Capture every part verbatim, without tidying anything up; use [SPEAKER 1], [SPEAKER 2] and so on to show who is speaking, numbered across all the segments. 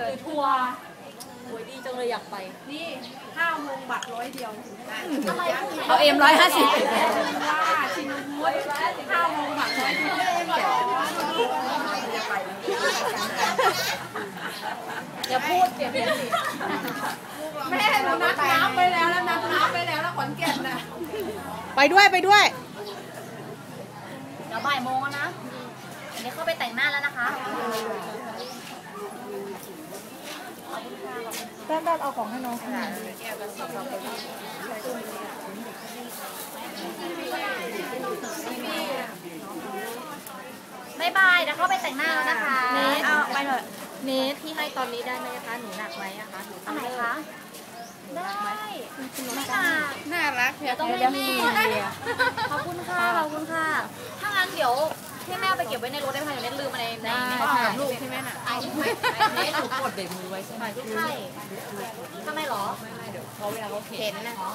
[SPEAKER 1] หรือทัวร์โอ้ยดีจังเลยอยากไป
[SPEAKER 2] นี่ห้าโมงบัตรร้อยเดียว
[SPEAKER 1] อะไร
[SPEAKER 3] เอาเอ็มร้อยห้าสิบ
[SPEAKER 2] ว่าชินวุฒิห้าโมงบัตรร้อยเดียว
[SPEAKER 1] อย่าพูดเสียเป็นสิ
[SPEAKER 2] แม่เรานัดน้ำไปแล้วแล้วนัดน้ำไปแล้วแล้วขอนแก่นน่ะ
[SPEAKER 3] ไปด้วยไปด้วย
[SPEAKER 1] เดี๋ยวบ่ายโมงนะอันนี้เข้าไปแต่งหน้าแล้วนะคะ
[SPEAKER 3] แป๊บๆเอาของให้น้อง
[SPEAKER 1] บายบายเดี๋ยวเข้าไปแต่งหน้าแล้วนะคะ
[SPEAKER 3] เนทเอาไปเถอะ
[SPEAKER 1] เนทที่ให้ตอนนี้ได้ไหมคะหนูหนักไหมอะคะหนูอะไรคะได้ไม่หนัก
[SPEAKER 2] น่ารัก
[SPEAKER 1] เดี๋ยวต้องให้แม่ขอบคุณค่ะขอบคุณค่ะถ้างั้นเดี๋ยวให้แม่ไปเก็บไว้ในรถได้ไหมเดี๋ยวเน็ตลืมมาในใน
[SPEAKER 2] ลูกใช่ไหมน่ะ
[SPEAKER 1] ไอ้ไม่เน็ตถูกกดเบรกมือไว้ใช่ไหมใช่ทำไมหรอไม่ไม่เดี๋ยวเขาเวลาเขาเข็นนะอ๋อ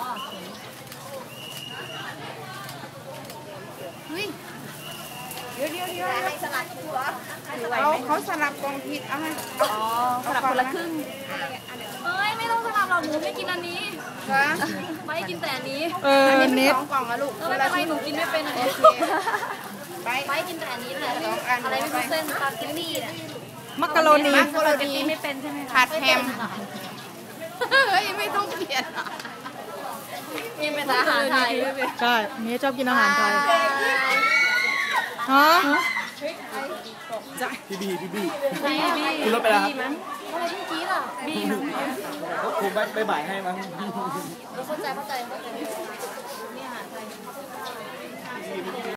[SPEAKER 2] เฮ้ยเดี๋ยวเดี๋ยวเดี๋ยว
[SPEAKER 1] ให้สลัดหัว
[SPEAKER 2] เขาเขาสลับกองผิดเอาไหม
[SPEAKER 1] อ๋อสลับคนละครึ่งเอ้ยไม่ต้องสลับหรอกหนูไม่กินอันนี้ไม่กินแต่อันนี้
[SPEAKER 3] เออเน็ต
[SPEAKER 2] สองกล่องอะลูก
[SPEAKER 1] ไม่เป็นไรหนูกินไม่เป็นอันนี้ไม่กินแต่อันนี้แหละอะไรไม่รู้เส้นสปาเกตตี้เนี่ย
[SPEAKER 3] มักกะโรนี
[SPEAKER 2] มักกะโรนี
[SPEAKER 1] ไม่เป็นใช่ไหม
[SPEAKER 2] ผัดแฮมเฮ้ยไม่ต้องเปลี่ยน
[SPEAKER 1] นี่เป็นอาหารไทย
[SPEAKER 3] ใช่เน็ตชอบกินอาหารไทยฮะ
[SPEAKER 4] พี่บีพี่บี
[SPEAKER 1] บี
[SPEAKER 4] คุณรถไปแล้วครับ
[SPEAKER 1] อะไรเมื่อกี้ล่ะบี
[SPEAKER 4] ก็คงไม่บ่ายให้มั้ง
[SPEAKER 1] เข้าใจเข้าใจเข้าใจนี่อาหารไทย